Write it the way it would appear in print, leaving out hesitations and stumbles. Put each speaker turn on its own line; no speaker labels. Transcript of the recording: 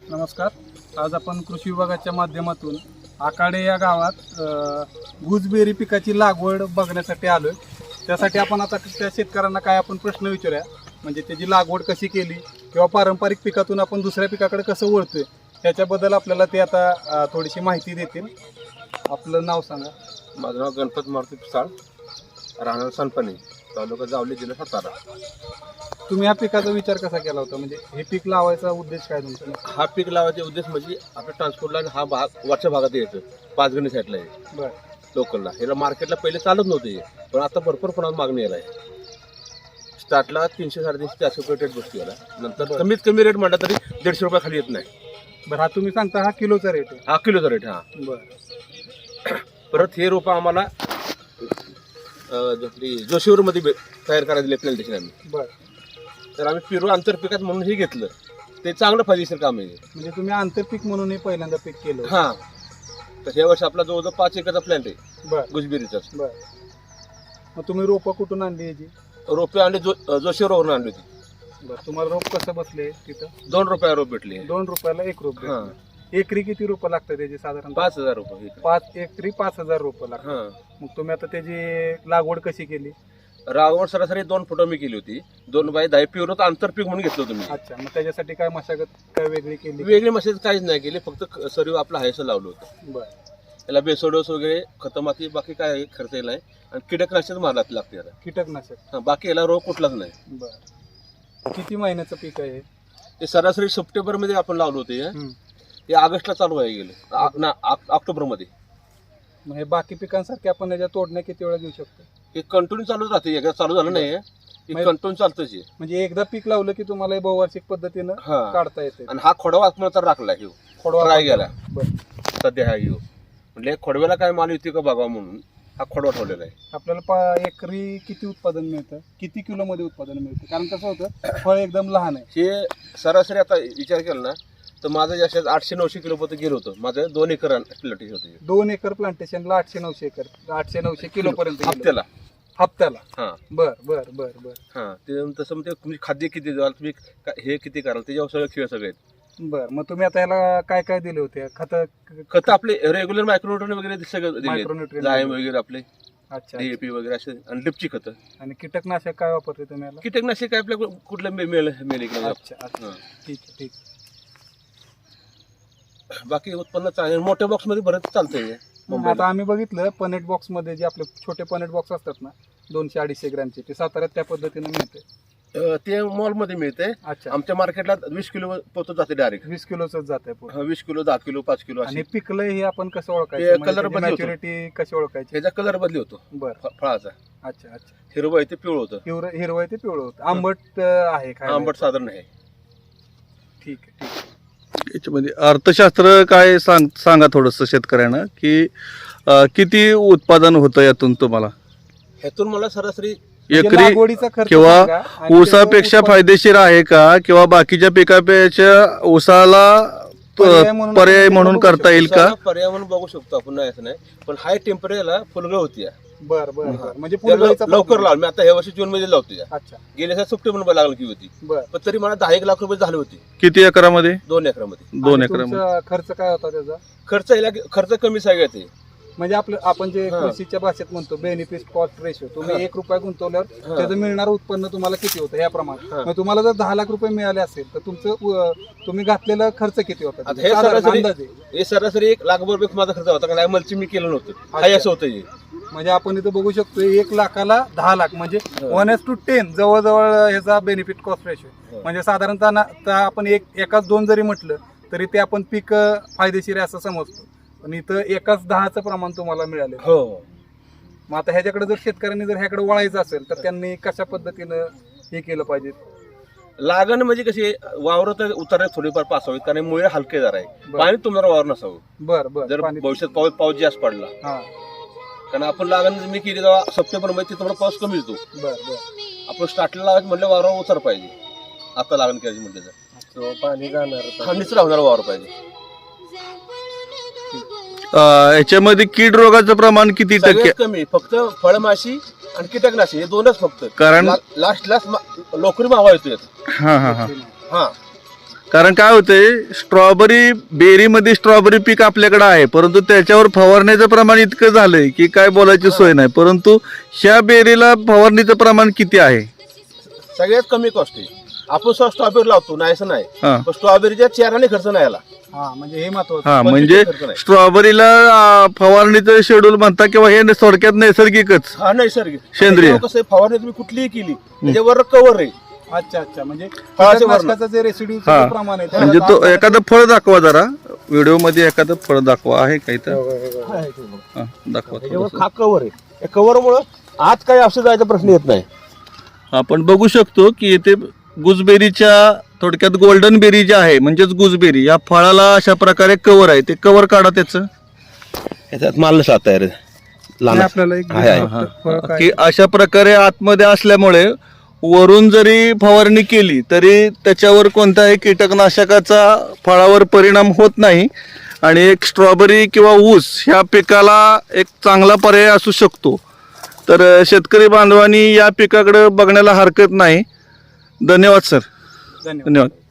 नमस्कार. आज आपण कृषी विभागाच्या माध्यमातून आकाडे या गावात गुजबेरी पिकाची लागवड बघण्यासाठी आलोय. त्यासाठी आपण आता त्या शेतकऱ्यांना काय आपण प्रश्न विचारूया, म्हणजे त्याची लागवड कशी केली किंवा पारंपरिक पिकातून आपण दुसऱ्या पिकाकडे कसं वळतोय त्याच्याबद्दल आपल्याला ते आता थोडीशी माहिती देतील. आपलं नाव सांगा.
माझं नाव गणपत मारुती पिसाळ, राहणार सनपणे, तालुका जावली, जिल्हा सातारा.
तुम्ही या पिकाचा विचार कसा केला होता, म्हणजे हे पीक लावायचा उद्देश काय तुमचा?
हा पीक लावायचा उद्देश म्हणजे आपल्या ट्रान्सपोर्टला हा भाग वरच्या भागात यायचं, पाचगणी साईडला आहे
बरं.
लोकलला. ह्याला मार्केटला पहिले चालत नव्हते, पण आता भरपूर प्रमाणात मागणी यायला आहे. स्टार्टला 300-350-400 रुपये रेट बसतो याला. नंतर कमीत कमी रेट म्हटलं तरी 150 रुपये खाली येत नाही.
बरं, हा तुम्ही सांगता हा किलोचा रेट आहे?
हा किलोचा रेट. हा
बरं.
परत हे रोपं आम्हाला जोशीवरमध्ये तयार करायला दिले प्लॅन्टेशन आम्ही.
बरं.
तर आम्ही पिरू आंतरपिकात म्हणून हे घेतलं. ते चांगलं फायदेशीर काम आहे.
म्हणजे तुम्ही आंतरपीक म्हणून हे पहिल्यांदा पीक केलं?
हा. तर ह्या वर्षी आपला जवळजवळ 5 एकरचा प्लॅन्ट आहे.
बरं.
गुजबेरीचाच.
बरं. मग तुम्ही रोपं कुठून आणली याची?
रोपे आणले जोशीवरवरून आणली होती.
बरं. तुम्हाला रोप कसं बसले तिथं?
2 रुपये रोप भेटले.
2 रुपयाला एक रोप
हा.
भेटले. एकरी किती रोपं लागतात त्याची साधारण?
5,000 रुपये.
5 एकरी 5,000 रोपं लागतात.
हा.
मग तुम्ही आता त्याची लागवड कशी केली?
रावण सरासरी 2 फुटं मी केली होती. 2 बाय 10 प्युअर आंतरपीक म्हणून घेतलं होतं मी.
अच्छा. मग त्याच्यासाठी काय मशागत काय वेगळी केली?
वेगळी मशागत काहीच नाही केली, फक्त सर्व आपलं हायसं लावलं होतं.
बरं.
त्याला बेसोडोस वगैरे खतमाती बाकी काय खर्च नाही. आणि कीटकनाशक मारला लागते याला.
कीटकनाशक?
हा. बाकी याला रोग कुठलाच नाही.
बरं. किती महिन्याचं पीक आहे
ते सरासरी सप्टेंबरमध्ये आपण लावलं होतं. हे ऑगस्टला चालू आहे गेलं, ऑक्टोबरमध्ये.
मग हे बाकी पिकांसारखे आपण याच्या तोडण्या किती वेळा घेऊ शकतो?
हे कंटिन्यू चालूच राहते. एकदा चालू झालं नाही, हे कंटिन्यू चालतंच आहे.
म्हणजे एकदा पीक लावलं की तुम्हाला हे बहुवार्षिक पद्धतीनं
हा.
काढता येते.
आणि हा खोडवा आत्महत्या राखला ह्यो.
खोडवा
ट्राय गेला
बरं.
सध्या हा ह्यो. म्हणजे खोडव्याला काय माल येते का बघा म्हणून हा खोडवा ठेवलेला आहे.
आपल्याला एकरी किती उत्पादन मिळतं, किती किलो मध्ये उत्पादन मिळतं? कारण कसं होतं, फळ एकदम लहान आहे.
हे सरासरी आता विचार केला ना तर माझं जास्त 800-900 किलो पर्यंत गेलं होतं. माझं 2 एकर प्लॅन्टेशन होतं.
2 एकर प्लांटेशनला 800-900 किलो पर्यंत
हप्त्याला.
हा. बर बर बर बर.
हा. ते तसं म्हणजे तुम्ही खाद्य किती द्याल, तुम्ही हे किती कराल, त्याच्यावर सगळं खेळ सगळे आहेत.
बर. मग तुम्ही आता ह्याला काय काय दिले होते?
खत आपले रेग्युलर मायक्रोन्यूट्रिएंट वगैरे सगळं दिले,
मायक्रोन्यूट्रिएंट
जायम वगैरे आपले.
अच्छा.
DAP वगैरे असे आणि लिपची खतं.
आणि कीटकनाशक काय वापरते तुम्ही याला?
कीटकनाशक काय आपल्या कुठलं मिळेल
अच्छा अच्छा. ठीक आहे ठीक.
बाकी उत्पन्न चांगलं मोठ्या बॉक्स मध्ये बरंच चालतंय.
आता आम्ही बघितलं पनेट बॉक्स मध्ये जे आपले छोटे पनेट बॉक्स असतात ना 200-250 ग्रॅमचे, ते साताऱ्यात त्या पद्धतीने मिळते.
ते मॉल मध्ये मिळते.
अच्छा.
आमच्या मार्केटला 20 किलो पोहोचत जाते डायरेक्ट.
20 किलोच जात आहे.
20 किलो, 10 किलो, 5 किलो
आणि
असे.
पिकलं हे आपण कसं
ते
ओळखायचं?
कलर बदली होतो.
मॅच्युरिटी कशी ओळखायची?
त्याचा कलर बदली होतो
बरं.
फळाचा.
अच्छा अच्छा.
हिरवं आहे ते पिवळं होतं.
हिरवं आहे ते पिवळं होतं. आंबट आहे खायला?
आंबट साधारण आहे.
ठीक आहे ठीक आहे.
याच्यामध्ये अर्थशास्त्र काय सांगा थोडंसं शेतकऱ्यांना, की किती उत्पादन होतं यातून तुम्हाला
ह्यातून मला सरासरी
म्हणजे
एकरी,
लागवडीचा खर्च
किंवा
सांगा आणि
ऊसापेक्षा
त्याचं
फायदेशीर आहे का, किंवा बाकीच्या पिकापेक्षा ऊसाला पर्याय म्हणून करता येईल का?
पर्याय म्हणून बघू शकतो आपण, नाही असं नाही. पण हाय टेम्परेचरला फुलगळ होती.
बर बर बर. म्हणजे
त्याला
फुलगळीचा
लवकर लावलं. मी आता ह्या वर्षी जून मध्ये लावतो.
अच्छा.
गेल्या सप्टेंबर लागली की होती.
बर.
पण तरी मला 10-1 लाख रुपये झाले होते.
किती एकरामध्ये?
2 एकरामध्ये.
2
आणि
एकरामध्ये.
तुमचा खर्च काय होता त्याचा?
खर्च कमी सगळ्यात आहे.
म्हणजे आपण जे
हा.
कृषीच्या भाषेत म्हणतो बेनिफिट कॉस्ट रेशो, तुम्ही
हा.
1 रुपया गुंतवल्यावर
हा.
त्याचं मिळणारं उत्पन्न तुम्हाला किती होतं याप्रमाणे.
हा.
मग तुम्हाला जर 10 लाख रुपये मिळाले असेल तर तुमचं तुम्ही घातलेला खर्च किती होता?
आता हे
साधारण
सरासरी
अंदाजे.
हे सरासरी 1 लाख रुपये माझा खर्च होता. कारण मलची मी केलं नव्हतं. हाय असं होतं हे.
म्हणजे आपण इथं बघू शकतो 1 लाखाला 10 लाख म्हणजे
हा.
1:10 जवळजवळ ह्याचा बेनिफिट कॉस्ट रेशो.
हा.
म्हणजे साधारणतः आपण एकाच 2 जरी म्हटलं तरी ते आपण पीक फायदेशीर आहे असं समजतो. पण इथं एकाच 10चं प्रमाण तुम्हाला मिळाले.
हो.
मग आता ह्याच्याकडे जर शेतकऱ्यांनी जर ह्याकडे वळायचं असेल तर त्यांनी कशा पद्धतीनं हे केलं पाहिजे?
लागण म्हणजे कशी वावर उतरण्यात थोडीफार पासावीत, कारण मुळे हलकेदार आहे.
बरं.
पाणी तुम्हाला वावर नसावं.
बर बर.
जर भविष्यात पाऊस जास्त पडला,
हा.
कारण आपण लागण मी केली तेव्हा सप्टेंबर मध्ये तिथं पाऊस कमी येतो.
बर बर.
आपण स्टार्टला लावायचं म्हणलं वावरावर उतर पाहिजे. आता लागण करायची म्हटलं तर
पाणी जाणार.
थंडीच लावणार वावर पाहिजे.
याच्यामध्ये कीड रोगाचं प्रमाण किती टक्के?
सगळ्यात कमी फक्त फळमाशी आणि कीटकनाशी हे 2च फक्त.
कारण
लास्ट लोकरी मावा येतो यात.
हा हा हा.
हा.
कारण काय होतंय स्ट्रॉबेरी बेरीमध्ये स्ट्रॉबेरी पीक आपल्याकडे आहे, परंतु त्याच्यावर फवारण्याचं प्रमाण इतकं झालंय की काय बोलायची सोय नाही. परंतु ह्या बेरीला फवारणीचं प्रमाण किती आहे?
सगळ्यात कमी कॉस्ट आहे. आपण स्ट्रॉबेरी लावतो नाही असं नाही,
हा
पण स्ट्रॉबेरीच्या चेहऱ्याने खर्च नाही आला.
हा म्हणजे हे महत्वाचं.
हा
पण
म्हणजे
खर्च नाही.
स्ट्रॉबेरीला फवारणीचं शेड्यूल म्हणता किंवा हे थोडक्यात नैसर्गिकच
हा नैसर्गिक
सेंद्रिय.
आता कसं आहे, फवारणी तुम्ही कुठलीही केली त्याच्यावर कव्हर आहे.
अच्छा अच्छा म्हणजे
फळाचे
कीटकनाशकाचं जे रेसिड्यू
हा.
प्रमाण आहे
म्हणजे तो एखादं फळ दाखवा जरा व्हिडिओ मध्ये, एखादं फळ दाखवा. आहे काही तर हा, दाखवा
त्याच्यावर
थोडंसं.
हा कव्हर आहे. या कव्हरमुळं आत काही औषध जायचा प्रश्न येत नाही.
आपण बघू शकतो की इथे गुजबेरीच्या थोडक्यात गोल्डन बेरी जी आहे म्हणजेच गुजबेरी या फळाला अशा प्रकारे कव्हर आहे. ते कव्हर काढा त्याचं.
याच्यात माल नसा तयार आहे. लहान
आपल्याला एक
आहे, आहे.
फक्त फळ काय
की अशा प्रकारे आतमध्ये असल्यामुळे वरून जरी फवारणी केली तरी त्याच्यावर कोणत्याही कीटकनाशकाचा फळावर परिणाम होत नाही आणि एक स्ट्रॉबेरी किंवा ऊस ह्या पिकाला एक चांगला पर्याय असू शकतो. तर शेतकरी बांधवांनी या पिकाकडे बघण्याला हरकत नाही. धन्यवाद सर.
धन्यवाद.
धन्यवाद.